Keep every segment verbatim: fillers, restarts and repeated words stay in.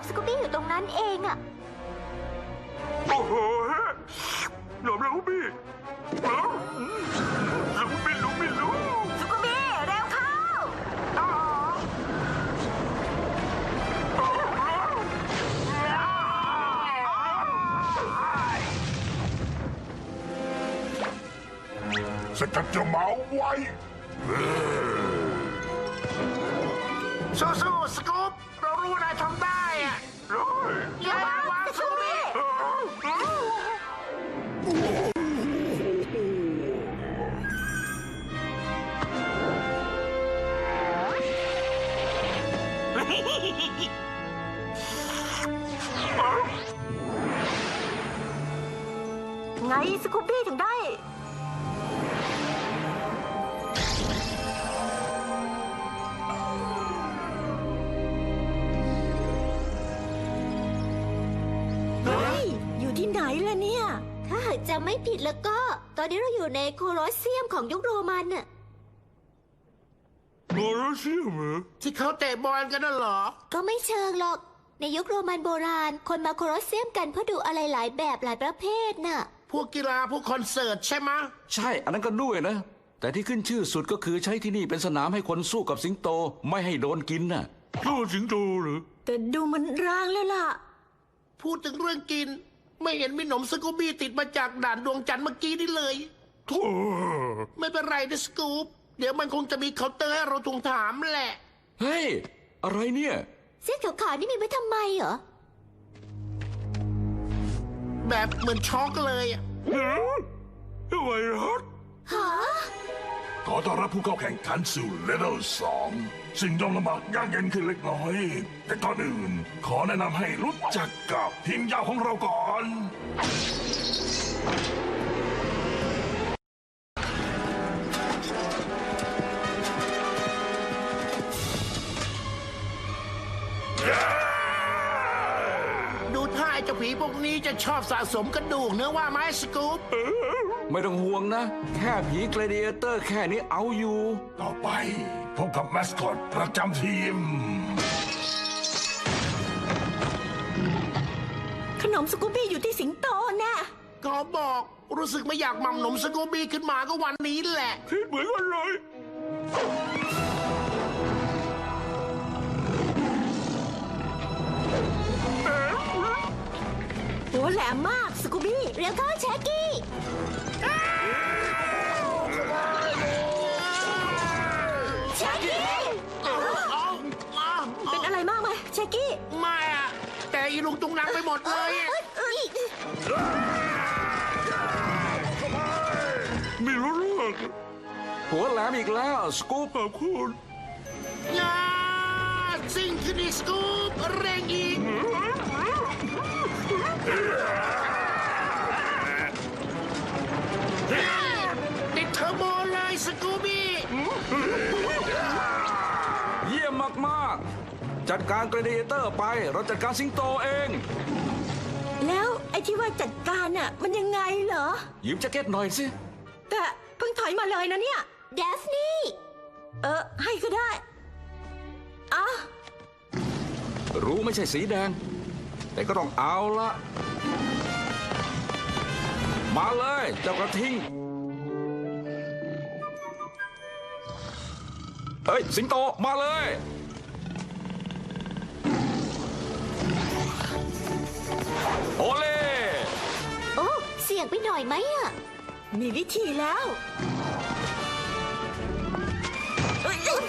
สกูบี้อยู่ตรงนั้นเองอะโอ้โหหนอมแล้วพี่ลุงไม่รู้ไม่รู้สกูบี้เร็วเข้าสกัดเจ้าหมาไว้สู้ๆสกู๊ปเรารู้ว่านายทำได้อะอย่าวางสกูบี้ไงสกูบี้ถึงได้อยู่ที่ไหนล่ะเนี่ยถ้าหากจำไม่ผิดแล้วก็ ตอนนี้เราอยู่ในโคลอสเซียมของยุคโรมันน่ะโคลอสเซียมเหรอที่เขาเตะบอลกันน่ะเหรอก็ไม่เชิงหรอก ในยุคโรมันโบราณ คนมาโคลอสเซียมกันเพื่อดูอะไรหลายแบบหลายประเภทน่ะพวกกีฬาพวกคอนเสิร์ตใช่ไหมะใช่อันนั้นก็ด้วยนะ แต่ที่ขึ้นชื่อสุดก็คือใช้ที่นี่เป็นสนามให้คนสู้กับสิงโตไม่ให้โดนกินน่ะสู้สิงโตเหรอแต่ดูมันร้างแล้วล่ะพูดถึงเรื่องกิน ไม่เห็นมีหนมสกูบี้ติดมาจากด่านดวงจันทร์เมื่อกี้นี่เลยโถ่ไม่เป็นไรนะสกู๊ปเดี๋ยวมันคงจะมีเคาน์เตอร์ให้เราทวงถามแหละเฮ้ย อะไรเนี่ยเส้นขาวๆนี่มีไว้ทำไมเหรอแบบเหมือนช็อกเลยอะไวรัสฮะขอต้อนรับผู้เข้าแข่งขันสู่เลเวลสองสิ่งต้องลำบากยากเย็นขึ้นเล็กน้อย แต่ก่อนอื่น ขอแนะนำให้รู้จักกับทีมยาวของเราก่อนดูท่าไอ้เจ้าผีพวกนี้จะชอบสะสมกระดูกเนื้อว่าไหมสกู๊ปไม่ต้องห่วงนะ แค่ผีเกรเดียเตอร์แค่นี้เอาอยู่ต่อไปพบกับแมสคอตประจำทีมขนมสกูบี้อยู่ที่สิงโตน่ะก็บอกรู้สึกไม่อยากหม่ำหนมสกูบี้ขึ้นมาก็วันนี้แหละคิดเหมือนกันเลยหัวแหลมมากสกูบี้เร็วเข้าแชกกี้แชกกี้เอาเอาเอาเป็นอะไรมากไหมแชกกี้ไม่อะแต่อีลุงตุงนังไปหมดเลยอะมีรู้เรื่องหัวแหลมอีกแล้วสกู๊ปขอบคุณยาซิ่งขึ้นอีกสกู๊ปเร่งอีกติดเทอร์โบเลยสกูบี้เยี่ยมมากๆ จัดการเกรเดียเตอร์ไปเราจัดการสิงโตเองแล้วไอ้ที่ว่าจัดการน่ะมันยังไงเหรอยืมแจ็คเก็ตหน่อยสิแต่เพิ่งถอยมาเลยนะเนี่ยเดฟนี่เออให้ก็ได้อ่ะรู้ไม่ใช่สีแดง แต่ก็ต้องเอาละมาเลยเจ้ากระทิงเฮ้ย สิงโตมาเลยโอเล่โอ้เสี่ยงไปหน่อยไหมอ่ะมีวิธีแล้วเอ้ยเอ้ย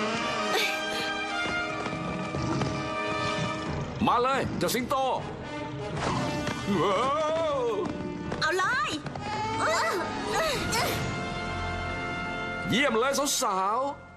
มาเลยเจ้าสิงโตว้าวเอาเลยเอ้ยเอ้ยเยี่ยมเลยสาวๆ